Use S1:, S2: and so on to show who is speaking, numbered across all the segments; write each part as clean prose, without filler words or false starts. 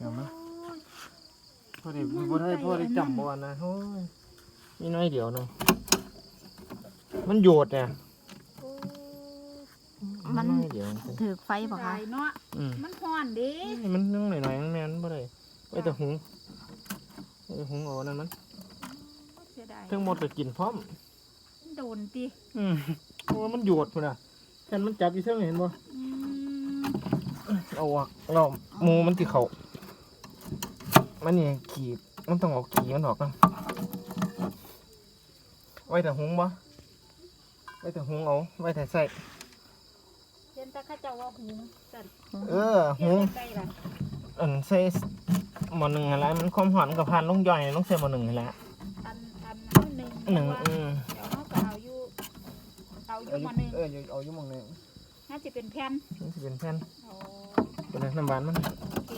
S1: ดี๋ยวมาพอได้จำบ่นะโอ้ยนี่น้อยเดียวนึงมันโยดเนี่ย
S2: มันถือไฟบ่คะ
S3: เนาะมันฮ้อนดิ
S1: มันนึงหน่อยๆแม่นบ่ได้ไว้แต่หุงเอานั่นมันทั้งหมดก็กินพร้อม
S3: โดนติ
S1: เพราะว่ามันโยดพุ่นน่ะแค่มันจับอยู่เท่าเห็นบ่เอาออกเราหมูมันสิเข้ามันนี่ขีดมันต้องเอาขีมันออกกันไว้แต่หุงบ่ไว้แต่หุงเอาไว้แต่ใส่
S3: เห็นแต่ข้าเจ้าว่าหุงสั่น
S1: หุงใส่หม้อหนึ่งอะไรมันความหอมกับพันลงย่อยลงใส่หม้อหนึ่งนี่แหละ
S3: หนึ่งเดี๋ยวเขาก็เอาอยู่หม้อหนึ่ง
S1: เอาอยู่หม้อหนึ่ง
S3: น่าจะเป็นแผ่น
S1: เป็นน้ำหวานมัน
S3: โอเค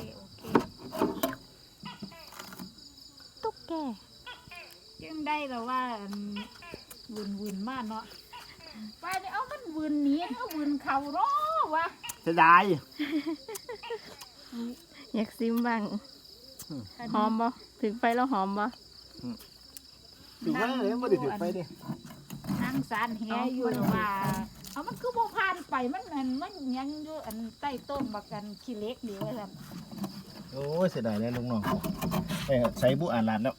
S2: ตุ๊กแก
S3: ยังได้แต่ว่าวุ่นมากเนาะไปเนี่ยเอามันวุ่นหนีเอาวุ่นเข่าร้อวะ
S1: จะได้
S2: อยากซิมบ้างหอมบ่ถึงไฟแล้วหอมบ่
S1: ถือว่าเลยไม่ได้ถือไฟดิ
S3: นั่งสารแหอยู่ว่าเอามันคือโบพานไปมันยังอยู่ใต้ต้นบักกันขี้เล็กเดียวเลย
S1: โอ้ยเสียดายเลยลุงน้องใส่บุอ่านหลานแล้ว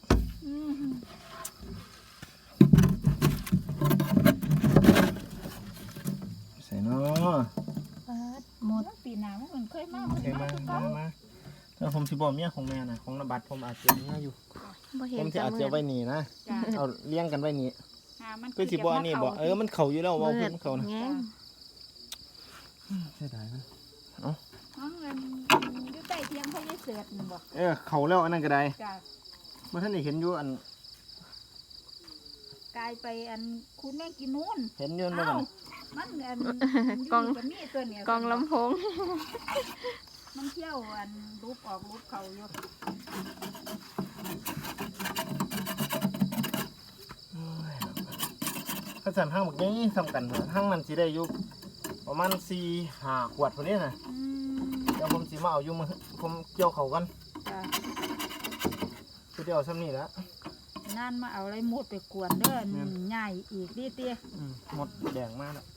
S1: ใส่เนาะ
S3: หมดปีหน้ามันเคยมา
S1: แล้วผมสิบอกเมียของแม่นะของนบัดผมอาจจะเมียอยู่ผมจะอาจจะไว้นี่นะเอาเลี้ยงกันไว้นี่ก็สิบอกนี่บอกมันเข่าอยู่แล้วว่าเพิ่งเข่านะเสียดายมัน
S3: เงินอยู่ใต้เทียงเขาได้เสือดบ่
S1: เข่าแล้วอันนั้นก็ได้เมื่อท่านได้เห็นอยู่
S3: กลายไปคุณแม่กินนู่น
S1: เห็นยืนบ่
S3: มัน
S2: กองลำโพง
S3: มันเที่ยวรูปออกรูปเขาอยู่
S1: ข้าวสารห้างแบบนี้สำคัญห้างมันสิได้อยู่ประมาณ4-5 ขวดพอดีนะเดี๋ยวผมสิมาเอาอยู่ผมเกี่ยวเขากันคือเดี๋ยวซ้ำนี่แล้ว
S3: นั่นมาเอาอะไรหมดไปกวนเด้อใหญ่อีกดิเตี้ย
S1: หมดแดงมากแล้ว